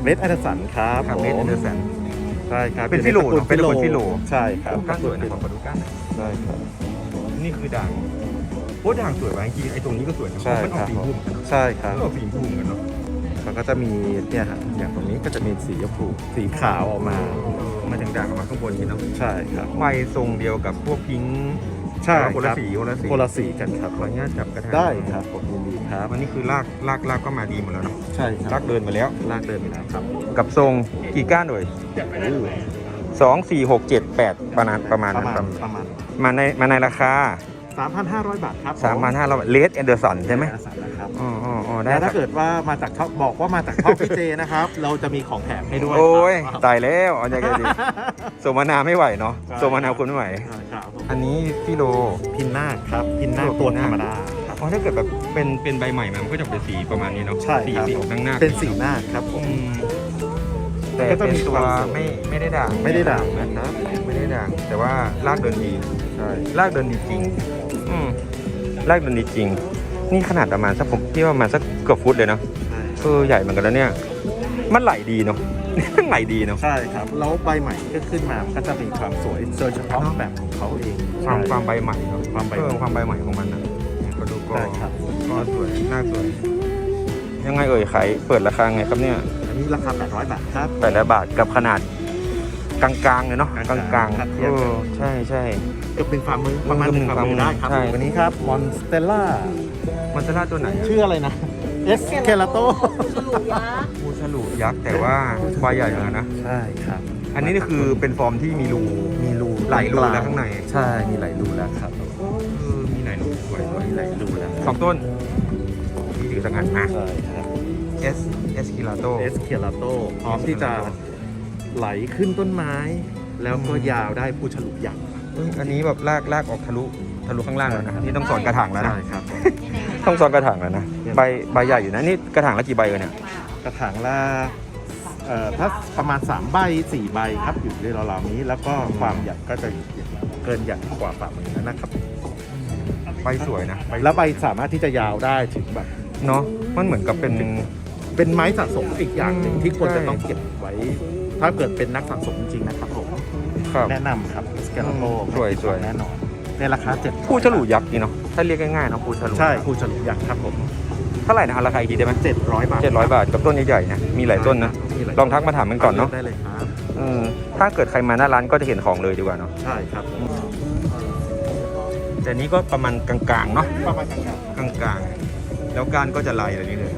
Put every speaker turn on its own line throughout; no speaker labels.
เวสแอนเดอร์สันครับ
เวสแอนเดอร์สัน
ใช่ครับ
เป็นฟิโลเนอะเป็นคนฟิโล
ใช่ครับ
ก้านสวยนะขอดูก้านหน่อย
ใช่ครับ
นี่คือด่างโอ้ด่างสวยว่ะจริงๆไอ้ตรงนี้ก็สวยนะ
ใช่
มันอ
ค
อก
รับ
สีพุ่มกันเนอะ
ใช่ครับ
มันออกสีพุ่มกันเนาะ
มันก็จะมีเนี่ยฮะอย่างตรงนี้ก็จะมีสีชมพูสีขาวออกมา
มาถึงด่างออกมาข้างบนนี่เนาะ
ใช่ครับ
ใบทรงเดียวกับพวกพิงค์
ใช่
คน
ค
ละ
รับ
สีคนละสี
คนละสีกันครับ
ขออนุญาตจับกระถาง
ได้ครับผมยินดีครับ
วันนี้คือลากก็มาดีหมดแล้วเนาะ
ใช่ค
ลา
รับ
กเดินมาแล้ว
ลากเดินไปแล้วครับ
กับทรงกี่ก้านเลย2 4 6 7 8ประมาณนั้น
ประมาณ
มาในราคา
3,500 บาทครับ
3,500เลสแอนเดอร์สันใช่ไหม
อาสานะครับ
อ๋อได้
แต่
ครั
ถ้า
บ
เกิดว่ามาจากช่องบอกว่ามาจากช่องพี่เจนะครับ เราจะมีของแถมให้ด้วย
โอ้ย
ครับ
ตายแล้วเอาอย่างไงดีสมนาไม่ไหวเนาะ
ใช่
สมนาคุณไม่ไหว
ครับผม
อันนี้ฟิโล
พินนาคครับพินนาค
ตั
ตัว ว
พินนาค
ธรรมดาครับ
เพราะถ้าเกิดแบบเป็นใบใหม่มันก็จะเป็นสีประมาณนี้เนาะ
ใช่
สี
ครับ
สีออกหน้า
เป็นสีนาคครับผม
แต่
ก็จะ
เป็น
มี
ตัว
ความสวย
ไม่ได้ด่าง
ไม่ได้ด่างนะครับ
ไม่ได้ด่างแต่ว่าลากเดินดี
ใช่
ลากเดินดีจริงลากเดินดีจริง นี่ขนาดประมาณสักผมที่ประมาณสักเกือบฟุตเลยเนาะ
ใช่
ใหญ่เหมือนกันแล้วเนี่ยมันไหลดีเนาะ มันไหลดีเนาะ
ใช่ครับแล้วใบใหม่ก็ขึ้นมาก็จะมีความสวยโดยเฉพาะ
เนอะ
แบบของเขาเอง
ความใบใหม่เนาะ
ความใบใหม่
ความใบใหม่ของมันนะก็ดูก็
ใช่ครับ
ก็สวยน่าสวยยังไงเอ่ยขายเปิดราคาไงครับเนี่ย
อันนี้ราคา800 บาทครับ
800 บาทกับขนาดกลางๆเลยเนาะก
ก
ลา
ลาง งๆครับเทียบกัน
ใช่ใช่
เกือบเป็นฝ่ามือประมาณ
เกือบ
หนึ่งฝ่ามือได้ครับ
ใช่
วันนี้ครับมอนสเตล่า
มันจะล่าตัวไหนอะ
ชื่ออะไรนะเอสเคลาโต
ปูฉลูยักษ์แต่ว่าใบใหญ่เหมือนกันนะ
ใช่ครับ
อันนี้นี่คือเป็นฟอร์มที่มีรู
มีรู
หลายรูแล้วข้างใน
ใช่มีหลายรูแล้วครับ
มีหลายรูสวย
มีหลายรูแล้ว
สองต้นที่ถือสังหันมา
ใช่ครับ
S กิลาโต
เอสเคลาโตพร้อมที่จะไหลขึ้นต้นไม้ แล้วก็ยาวได้ผู้ฉลุยักษ์
อันนี้แบบลากออกทะลุข้างล่างแล้วนะนี่ต้องสอนกระถางแล้วนะ
ใช่ครับ
ต้องสอนกระถางแล้วนะใบใหญ่อยู่นะนี่กระถางละกี่ใบเนี่ย
กระถางละถ้าประมาณ3 ใบ 4 ใบครับอยู่ในราวๆนี้ แล้วก็ความใหญ่ก็จะเกินใหญ่กว่าฝ่ามือนะครับ
ใบสวยนะ
แล้วใบสามารถที่จะยาวได้ถึงแบบ
เนาะมันเหมือนกับเป็น
เป็นไม้สะสมอีกอย่างหนึ่งที่ควร
ใช่
จะต้องเก็บไว้ ถ้าเกิดเป็นนักสะสมจริงๆนะครับผม
ครับ
แนะนำครับสแกนโล
สวยๆ
แน่นอนในราคา7
ผู้ฉลูยักษ์นี่เนาะถ้าเรียกง่ายๆเนาะผู้ฉลู
ใช่ผู้ฉลุยักษ์ครับผม
เท่าไหร่นะราคาอีกทีได้ไหม
700 บาท
700 บาทกับต้นใหญ่ๆนะมีหลายต้นนะ
มีหาย
ลองทักมาถามกันก่อนเนาะ
ได้เลยครับ
ถ้าเกิดใครมาหน้าร้านก็จะเห็นของเลยดีกว่าเนาะ
ใช่ครับ
แต่นี้ก็ประมาณกลางๆเนาะ
ประมาณกลาง
กลางๆแล้วการก็จะลายแบบนี้เลย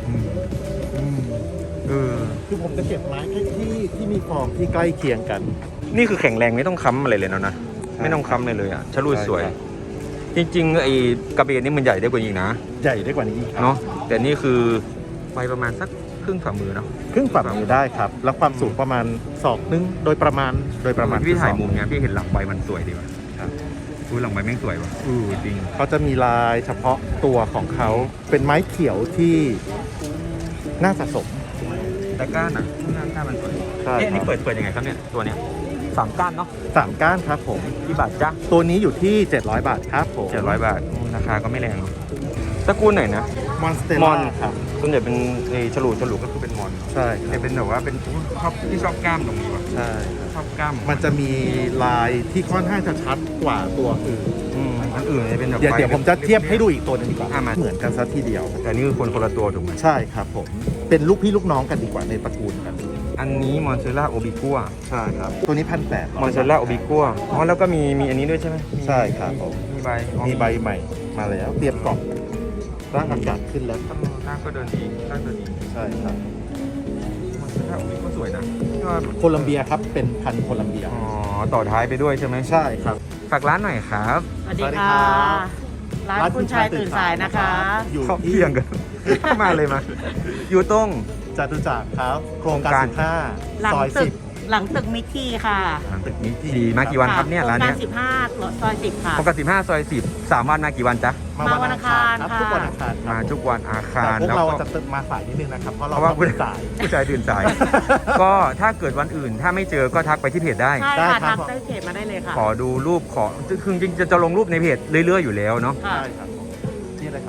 เออ
ๆคือผมจะเก็บไม้ที่มีฟอร์มที่ใกล้เคียงกัน
นี่คือแข็งแรงไม่ต้องค้ำอะไรเลยเนาะนะ
ใช่
ไม่ต้องค้ำเลยอ่ะฉลู
ใช่
สวย
ครับ
จริงๆไอ้กระเบนนี่มันใหญ่ได้กว่านี้นะ
ใหญ่ได้กว่านี้อีกครับ
เนาะแต่นี่คือไปประมาณสักครึ่งฝ่ามือเนาะ
ครึ่งฝ่ามือได้ครับ แล้วความสูงประมาณศอกนึงโดยประมาณ
พี่ถ่าย
คือศอก
มุมเนี้ยพี่เห็นหลังใบมันสวยดีว่ะ
ครับ
ดูหลังใบแม่งสวยว่ะจริง
เขาจะมีลายเฉพาะตัวของเขาเป็นไม้เขียวที่น่าสะสม
แต่ก้านอ่ะก้านมันสวย
ใช่
เอ๊ะอันนี่
ครับ
เปิดยังไงครับเนี่ยตัวเนี้ย3 ก้านเนาะ
3 ก้านครับผม
กี่บาทจ๊ะ
ตัวนี้อยู่ที่700 บาทครับผม
700 บาทราคาก็ไม่แรงเนาะตระกูลไหนนะ
มอนสเต
ม
ล่า
อน
ครับ
ส่วนใหญ่เป็นฉลูก็คือเป็นมอน
ใช่ค
แต่
รับ
เป็นแบบว่าเป็นชอบกล้ามตรงนี้ว่ะ
ใช่
ชอบกล้าม
มันจะมีลายที่ค่อนข้างจะชัดกว่าตัวอื่น
อันอื่นเนี่ยเป็นแบบ
เดี๋ยวผมจะเทียบให้ดูอีกตัวหนึงดีกว่า
มา
เหมือนกันซะทีเดียว
แต่นี่คือคนละตัวถูกไหม
ใช่ครับผม เป็นลูกพี่ลูกน้องกันดีกว่าในตระกูลกัน
อันนี้มอนเซล่าโอบิกัว
ใช่ครับ ตัวนี้1,800
มอนเซล่าโอบิกัวอ๋อแล้วก็มีอันนี้ด้วยใช่ไหม
ใช่ครับผม
มีใบ
มีใบใหม่มาแล้ว เตรียมกล่องร่างอากาศขึ้นแล้วครับ
ร่างก็เดินดีร่างเดินดี
ใช่ครับ
มอนเซล่าโอบิกัวสวยนะที่ว่า
โคลัมเบียครับ เป็นพันธุ์โคลัมเบีย
อ๋อต่อท้ายไปด้วยใช่ไหม
ใช่ครับ
ฝากร้านหน่อยครับ
สวัสดี
สวัสดี
ค่ะ
ครับ
ร้านคุณชายตื่นสายนะคะ
อยู่
เข้า
ที่
เที่ยงกัน มาเลยมา อยู่ตรง
จตุจักรครับ โครง
โครงกา
การ ร15
หลัง
ซอย
ตึกหลังตึกมิกกี้ค่ะ
หลังตึกนี้ทีมากี่วันครับเนี่ยร้าน
โครง
เนี้
กาย ร15ซอย10ค่ะ
ปกติ15 ซอย 10 3 วันมากี่วันจ๊ะ
10
มาวันอังคาร
ครับ
ค่ะ
ทุกวันอังคารครับ
มาทุกวันอาคา
แต่
ร
พวก
แล้ว
เรา
ก็
จะมาสายนิดนึงนะครับ เพราะเรา
เพราะว่า
ต้องตื่นสาย
ผู้ชายตื่นสาย ก็ถ้าเกิดวันอื่นถ้าไม่เจอก็ทักไปที่เพจได้
ใช่
ได้
ค่ะ
ครับ
ทักได้เพจมาได้เลยค่ะ
ขอดูรูปคือจริงๆจะลงรูปในเพจเรื่อยๆอยู่แล้วเนาะ
ค่ะ
ใช่ครับนี่เลยครับ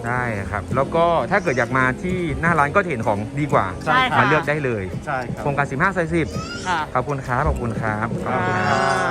ได้ครับ แล้วก็ถ้าเกิดอยากมาที่หน้าร้านก็จะเห็นของดีกว่า
ใช่ค่ะ
มาเลือกได้เลย
ใช่ครับ
โครงการ15 ซอย 10
ค่ะ
ขอบคุณครับ ขอบคุณครับ
ครับ